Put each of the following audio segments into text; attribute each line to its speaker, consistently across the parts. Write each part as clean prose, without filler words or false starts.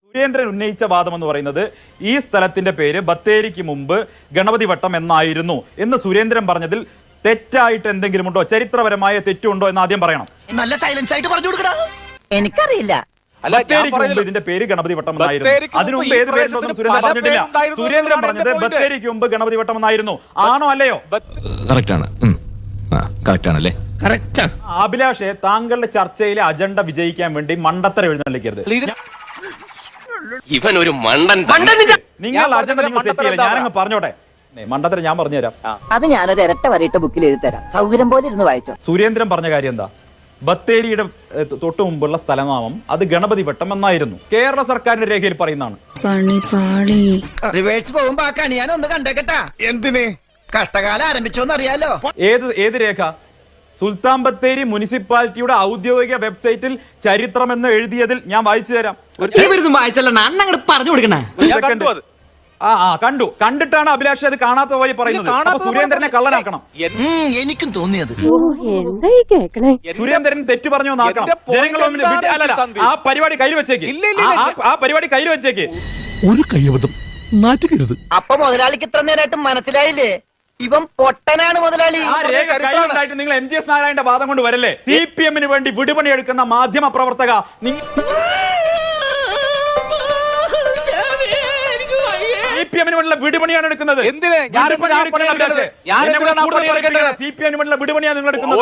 Speaker 1: സുരേന്ദ്രൻ ഉന്നയിച്ച വാദം എന്ന് പറയുന്നത് ഈ സ്ഥലത്തിന്റെ പേര് ബത്തേരിക്ക് മുമ്പ് ഗണപതി വട്ടം എന്നായിരുന്നു എന്ന് സുരേന്ദ്രൻ പറഞ്ഞതിൽ തെറ്റായിട്ട് എന്തെങ്കിലും ഉണ്ടോ, ചരിത്രപരമായ തെറ്റുണ്ടോ എന്ന് ആദ്യം പറയണം.
Speaker 2: നല്ല സൈലൻസ് ആയിട്ട് പറഞ്ഞു കൊടുക്കടാ. എനിക്കറിയില്ല.
Speaker 1: ബത്തേരിക്ക് മുമ്പ് ഇതിന്റെ പേര് ഗണപതി വട്ടം എന്നായിരുന്നു. അതിനു മുമ്പ് ഏത് പേരുണ്ടെന്ന് സുരേന്ദ്രൻ പറഞ്ഞിട്ടില്ല. സുരേന്ദ്രൻ പറഞ്ഞത് ബത്തേരിക്ക് മുമ്പ് ഗണപതി വട്ടം എന്നായിരുന്നു. ആണോ അല്ലയോ? അഭിലാഷെ, താങ്കളുടെ ചർച്ചയിലെ അജണ്ട വിജയിക്കാൻ വേണ്ടി മണ്ടത്തരം എഴുന്നള്ളിക്കരുത്.
Speaker 3: ഇവൻ ഒരു മണ്ടൻ.
Speaker 1: നിങ്ങൾ അജണ്ട നിങ്ങൾ സെറ്റ് ചെയ്യില്ല. ഞാനങ്ങ് പറഞ്ഞോട്ടെ, മണ്ടത്തരം ഞാൻ പറഞ്ഞുതരാം.
Speaker 2: അത് ഞാനൊരു ഇരട്ട വരയിട്ട ബുക്കിൽ എഴുതി തരാം. സൗകര്യം പോലെ ഇരുന്ന് വായിച്ചോ.
Speaker 1: സുരേന്ദ്രൻ പറഞ്ഞ കാര്യം എന്താ? ബത്തേരിയുടെ തൊട്ടു മുമ്പുള്ള സ്ഥലനാമം അത് ഗണപതി വട്ടം എന്നായിരുന്നു. കേരള സർക്കാരിന്റെ രേഖയിൽ പറയുന്നതാണ്.
Speaker 2: റിവേഴ്സ് പോകുമ്പോ ആ കണി ഞാൻ ഒന്ന് കണ്ടേക്കട്ടാ. എന്തിന്? കഷ്ടകാലം ആരംഭിച്ചോന്ന് അറിയാലോ.
Speaker 1: ഏത് രേഖ? സുൽത്താൻ ബത്തേരി മുനിസിപ്പാലിറ്റിയുടെ ഔദ്യോഗിക വെബ്സൈറ്റിൽ ചരിത്രം എന്ന് എഴുതിയതിൽ ഞാൻ വായിച്ചു തരാം. കണ്ടിട്ടാണ് അഭിലാഷ് അത് കാണാത്ത പോലെ പറയുന്നത്. സുരേന്ദ്രനെ കള്ളനാക്കണം.
Speaker 2: എനിക്കും തോന്നിയത്.
Speaker 1: സുരേന്ദ്രൻ തെറ്റു പറഞ്ഞു എന്നാക്കണം. ആ പരിപാടി കയ്യിൽ വെച്ചേക്ക്.
Speaker 4: ഒരു കയ്യബദ്ധം നാറ്റുകരുത്.
Speaker 2: അപ്പൊ മുതലാളിക്ക് ഇത്ര നേരമായിട്ട് മനസ്സിലായില്ലേ? ഇവൻ പൊട്ടനാണ് മുതലാളി.
Speaker 1: ആ രേഖ കയ്യിലുണ്ടായിട്ട് നിങ്ങൾ MGS നാരായണന്റെ വാദം കൊണ്ട് വരല്ലേ? CPM വേണ്ടി വിടുപണി എടുക്കുന്ന മാധ്യമ പ്രവർത്തക, CPM വിടുപണിയാണ് എടുക്കുന്നത്. വിടുപണിയാണ് നിങ്ങൾ എടുക്കുന്നത്.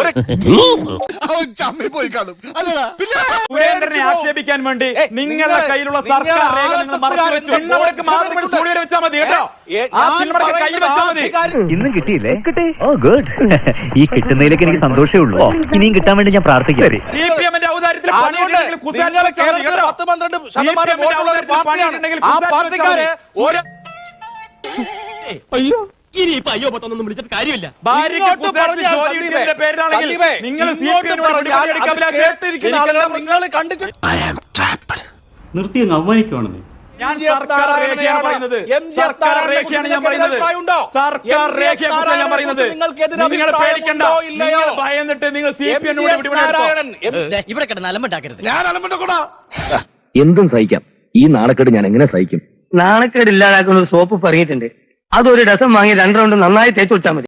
Speaker 1: സുരേന്ദ്രനെ ആക്ഷേപിക്കാൻ വേണ്ടി നിങ്ങളുടെ കയ്യിലുള്ള സർക്കാർ രേഖ നിങ്ങൾ മറച്ചു വെച്ചു. വെച്ചാൽ മതി കേട്ടോ. കയ്യിൽ വെച്ചാൽ മതി.
Speaker 5: ഇന്നും കിട്ടിയില്ലേ? Oh good. ഈ കിട്ടുന്നതിലേക്ക് എനിക്ക് സന്തോഷമേ ഉള്ളൂ. ഇനിയും കിട്ടാൻ വേണ്ടി ഞാൻ പ്രാർത്ഥിക്കാം.
Speaker 1: CPMന്റെ ഔദാര്യത്തിൽ
Speaker 6: അയ്യോ, ഇനിയിപ്പോ അയ്യോ പത്തൊന്നും വിളിച്ചിട്ട് കാര്യമില്ല.
Speaker 4: നിർത്തി അങ്ങ് അവമാനിക്കുവാണെന്ന്.
Speaker 1: സർക്കാർ രേഖയാണ് ഞാൻ പറയുന്നത്. നിങ്ങൾ പേടിക്കണ്ട. നിങ്ങൾ ഭയന്നിട്ട് നിങ്ങൾ CPM
Speaker 7: ഇവിടെ കിടന്ന് അലമ്പുണ്ടാക്കരുത്.
Speaker 3: എന്തും സഹിക്കാം. ഈ നാണക്കേട് ഞാൻ എങ്ങനെ സഹിക്കും?
Speaker 5: നാണക്കേട് ഇല്ലാതാക്കുന്ന ഒരു സോപ്പ് പറഞ്ഞിട്ടുണ്ട്. അതൊരു ഡസം വാങ്ങി 2 റൗണ്ട് നന്നായി തേച്ച് വെച്ചാൽ മതി.